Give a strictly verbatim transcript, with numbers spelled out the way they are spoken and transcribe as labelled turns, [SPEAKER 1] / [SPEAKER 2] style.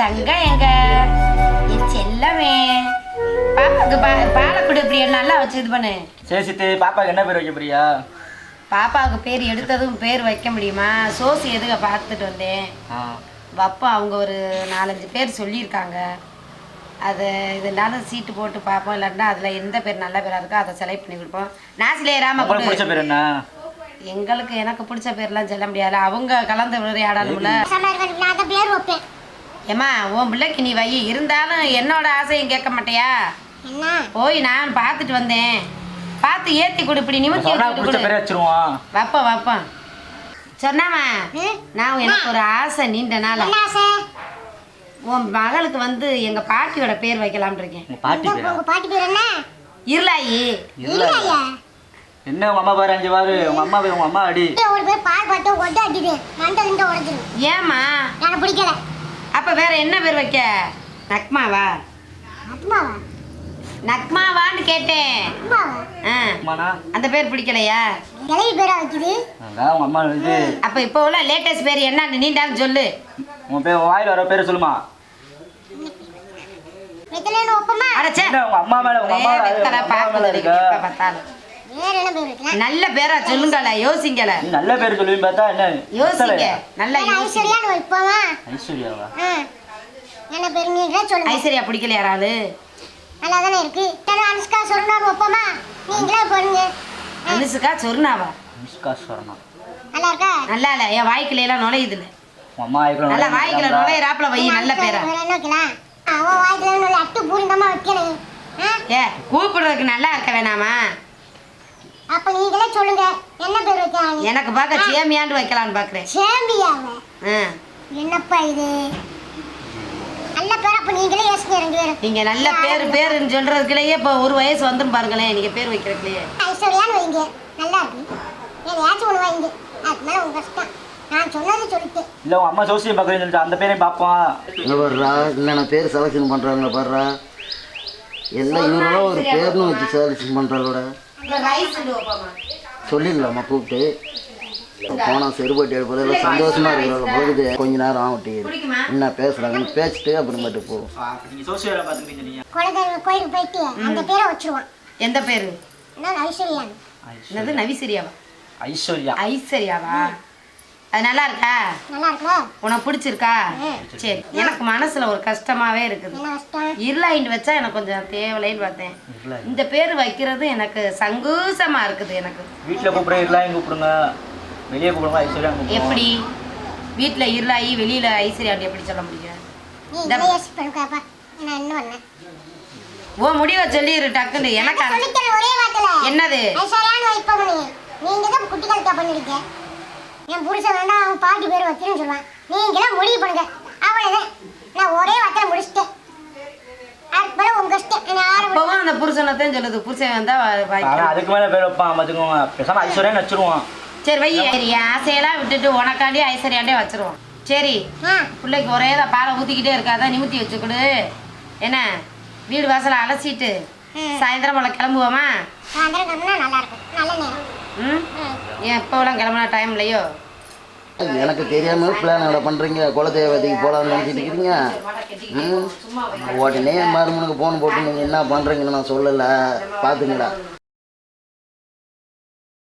[SPEAKER 1] தங்கம் எங்க என் செல்லமே பாப்பாக்கு பா பாலை கொடு இப்படி நல்லா வச்சு இது பண்ணு.
[SPEAKER 2] சரி சித்து, பாப்பாக்கு என்ன பேர் வைக்க போறியா?
[SPEAKER 1] பாப்பாவுக்கு பேர் எடுத்ததும் பேர் வைக்க முடியுமா? சோசி எதுக்க பார்த்துட்டு வந்தேன். வப்பா அவங்க ஒரு நாலஞ்சு பேர் சொல்லியிருக்காங்க. அதை இதனாலும் சீட்டு போட்டு பார்ப்போம். இல்லாட்டினா அதில் எந்த பேர் நல்ல பேராக இருக்கோ அதை செலக்ட் பண்ணி கொடுப்போம். நாசிலே ராம
[SPEAKER 2] பிடிச்ச பேர் என்ன?
[SPEAKER 1] எங்களுக்கு எனக்கு பிடிச்ச பேர்லாம் சொல்ல முடியாது. அவங்க கலந்து விளையாடணும்ல. ஏம்மா உன் பிள்ளைக்கு நீ வை. இருந்தாலும் என்னோட ஆசையும் கேட்க மாட்டியா? போய் நான் பார்த்துட்டு வந்தேன். பார்த்து ஏற்றி கொடு, இப்படி நிமித்தி
[SPEAKER 2] வச்சிருவோம்.
[SPEAKER 1] வப்போம் வப்போம் சொன்னாமா. நான் எனக்கு ஒரு ஆசை நீண்ட நாள். உன் மகளுக்கு வந்து எங்க பாட்டியோட பேர் வைக்கலாம்னு இருக்கேன்.
[SPEAKER 3] பாட்டி பேர் என்ன?
[SPEAKER 1] இருளாயி.
[SPEAKER 2] என்ன உங்க அம்மா பாரு, அஞ்சு பாரு. உங்க அம்மா போய் உங்க அம்மா அடி.
[SPEAKER 3] ஒரு பேர் பால் பாட்டு ஒட்ட அடிடு மண்டை கிண்ட உடைச்சிரு.
[SPEAKER 1] ஏமா
[SPEAKER 3] எனக்கு பிடிக்கல.
[SPEAKER 1] அப்ப வேற என்ன பேர் வைக்க? நக்மாவா?
[SPEAKER 3] அம்மாவா?
[SPEAKER 1] நக்மாவான்னு கேட்டேன்.
[SPEAKER 3] அம்மாவா?
[SPEAKER 1] அந்த பேர் பிடிக்கலையா?
[SPEAKER 3] கிளவி பேரா வைக்குது.
[SPEAKER 2] அதான் உங்க அம்மா இது.
[SPEAKER 1] அப்ப இப்போ உள்ள லேட்டஸ்ட் பேர் என்னன்னு நீண்டாலும் சொல்லு.
[SPEAKER 2] உன் பேர் வாயில வர பேரை சொல்லுமா.
[SPEAKER 3] வெத்தலைன்னு ஒப்பமா.
[SPEAKER 1] அடச்சே
[SPEAKER 2] உங்க அம்மா மேல உங்க அம்மா
[SPEAKER 1] வெத்தலை பாக்குது இப்ப பார்த்தாலும்.
[SPEAKER 3] வேற என்ன பேர் வைக்கலாம்?
[SPEAKER 1] நல்ல பேரா சொல்லுங்கள, யோசிங்கல.
[SPEAKER 2] நீ நல்ல பேர் சொல்லுவீங்க பார்த்தா என்ன?
[SPEAKER 1] யோசிங்க. நல்ல
[SPEAKER 3] ஐஸ்வர்யான்னு வைப்போமா?
[SPEAKER 2] ஐஸ்வர்யாவா?
[SPEAKER 3] என்ன பேர் நீங்களே சொல்லுங்க.
[SPEAKER 1] ஐஸ்வர்யா பிடிக்கல யாராவது?
[SPEAKER 3] நல்லா தானே இருக்கு. தன அனுஷ்கா சொர்ணான்னு வைப்போமா? நீங்களே போடுங்க.
[SPEAKER 1] அனுஷ்கா சொர்ணாவா?
[SPEAKER 2] அனுஷ்கா சொர்ணா
[SPEAKER 3] நல்லா இருக்கா?
[SPEAKER 1] நல்லா இல்ல. என் வாய்க்குல எல்லாம் நுழையுது இல்ல.
[SPEAKER 2] அம்மா வாய்க்குல
[SPEAKER 1] நல்லா வாய்க்குல நுழையறாப்ல வை. நல்ல பேரா.
[SPEAKER 3] வேற என்ன வைக்கலாம்? அவன் வாய்க்குல நல்ல அட்டு பூரிந்தமா வைக்கணும்.
[SPEAKER 1] ஏ கூப்பிடுறதுக்கு நல்லா இருக்க வேணாமா?
[SPEAKER 3] அப்ப நீங்களே சொல்லுங்க என்ன பேர் வைக்கலாம்?
[SPEAKER 1] எனக்கு பார்க்க சேமியாண்டு வைக்கலாம்னு பாக்குறேன்.
[SPEAKER 3] சேம்பியாவா?
[SPEAKER 1] ஆ
[SPEAKER 3] என்னப்பா இது? நல்ல பேர். அப்ப நீங்களே யோசிங்க ரெண்டு பேரும்.
[SPEAKER 1] நீங்க நல்ல பேர் பேருன்னு சொல்றதுக்குள்ளேயே இப்போ ஒரு வயசு வந்துரும் பாருங்களேன். நீங்க பேர் வைக்கிறதுலயே
[SPEAKER 3] ஐஸ்வர்யான்னு வைங்க. நல்லா இருக்கு. ஏதாச்சும் ஒன்று வைங்க. அது மேலே உங்க கஷ்டம். நான் சொன்னது சொல்லிட்டு
[SPEAKER 2] இல்லை உங்க அம்மா சோசியம் பார்க்குறேன்னு சொல்லிட்டு அந்த பேரையும் பார்ப்போம்.
[SPEAKER 4] இல்லை வர்றா, என்னென்ன பேர் செலக்ஷன் பண்ணுறாங்க பாடுறா. எல்லாம் இவரெல்லாம் ஒரு பேர்னு வச்சு செலக்ஷன் பண்ணுறாங்களோட சொல்லிடலாமா கூப்பிட்டு போனால் செருப்பட்டி எடுப்பது எல்லாம் சந்தோஷமாக இருக்கிறாங்க போகுது. கொஞ்ச நேரம் ஆகட்டி என்ன பேசுகிறாங்கன்னு பேசிட்டு அப்புறமேட்டு போகும்.
[SPEAKER 3] குலதெய்வ கோயிலுக்கு போயிட்டு அந்த பேரை வச்சிருவான்.
[SPEAKER 1] எந்த பேரு?
[SPEAKER 3] ஐஸ்வர்யான்னு.
[SPEAKER 1] என்னது? நவிசரியாவா?
[SPEAKER 2] ஐஸ்வர்யா.
[SPEAKER 1] ஐஸ்வர்யாவா? அது நல்லா இருக்கா?
[SPEAKER 3] நல்லா இருக்கா?
[SPEAKER 1] உனக்கு பிடிச்சிருக்கா? சரி. எனக்கு மனசுல ஒரு கஷ்டமாவே இருக்குது.
[SPEAKER 3] என்ன கஷ்டம்?
[SPEAKER 1] இருளாயின்னு வச்சா எனக்கு கொஞ்சம் தேவலைன்னு பார்த்தேன். இந்த பேர் வைக்கிறது எனக்கு சங்கூசமா இருக்குது. எனக்கு
[SPEAKER 2] வீட்டில் கூப்பிடுற இருளாயும் கூப்பிடுங்க, வெளியே கூப்பிடுங்க ஐஸ்வர்யா.
[SPEAKER 1] எப்படி வீட்டுல இருளாயி வெளியில ஐஸ்வர்யாண்டி எப்படி சொல்ல முடியும்?
[SPEAKER 3] நீ இதை யோசிச்சு பண்ணுக்காப்பா. நான் என்ன பண்ணேன்?
[SPEAKER 1] ஓ முடிவை சொல்லிடு டக்குன்னு. எனக்கு
[SPEAKER 3] சொல்லித்தர ஒரே வார்த்தையில
[SPEAKER 1] என்னது?
[SPEAKER 3] ஐஸ்வர்யான்னு வைப்போம். நீ நீங்க தான் குட்டி கலக்கா பண்ணிருக்க. என் புருஷன் வேண்டாம் அவன் பாட்டி பேர் வைக்கணும்னு சொல்லுவான். நீங்க தான் முடிவு பண்ணுங்க. அவ்வளவுதான். நான் ஒரே வார்த்தையில முடிச்சிட்டேன். அதுக்கு மேல உங்க இஷ்டம்.
[SPEAKER 1] அப்பவும் அந்த புருஷனத்தையும் சொல்லுது. புருஷன் வந்தா
[SPEAKER 2] அதுக்கு மேல பேர் வைப்பான் பார்த்துக்கோங்க. பேசாம ஐஸ்வர்யான்னு வச்சிருவோம்.
[SPEAKER 1] சரி வை. சரி ஆசையெல்லாம் விட்டுட்டு உனக்காண்டி ஐஸ்வர்யாண்டே வச்சிருவோம். சரி பிள்ளைக்கு ஒரே தான் பாலை ஊற்றிக்கிட்டே இருக்காதான் நிமித்தி வச்சுக்கொடு. என்ன வீடு வாசலை அலசிட்டு சாயந்தரம் போல கிளம்புவோமா?
[SPEAKER 3] சாயந்தரம் கிளம்புனா நல்லா இருக்கும். நல்ல நேரம்.
[SPEAKER 1] ம் ஏன் இப்போலாம் கிளம்புனா டைம் இல்லையோ?
[SPEAKER 4] எனக்கு தெரியாமல் பிளான் பண்ணுறீங்க. குலதெய்வத்துக்கு போகலான்னு நினச்சிட்டு இருக்கிறீங்க. ம் உடனே மருமனுக்கு ஃபோன் போட்டு நீங்கள் என்ன பண்ணுறீங்கன்னு நான் சொல்லலை. பார்த்துங்களா?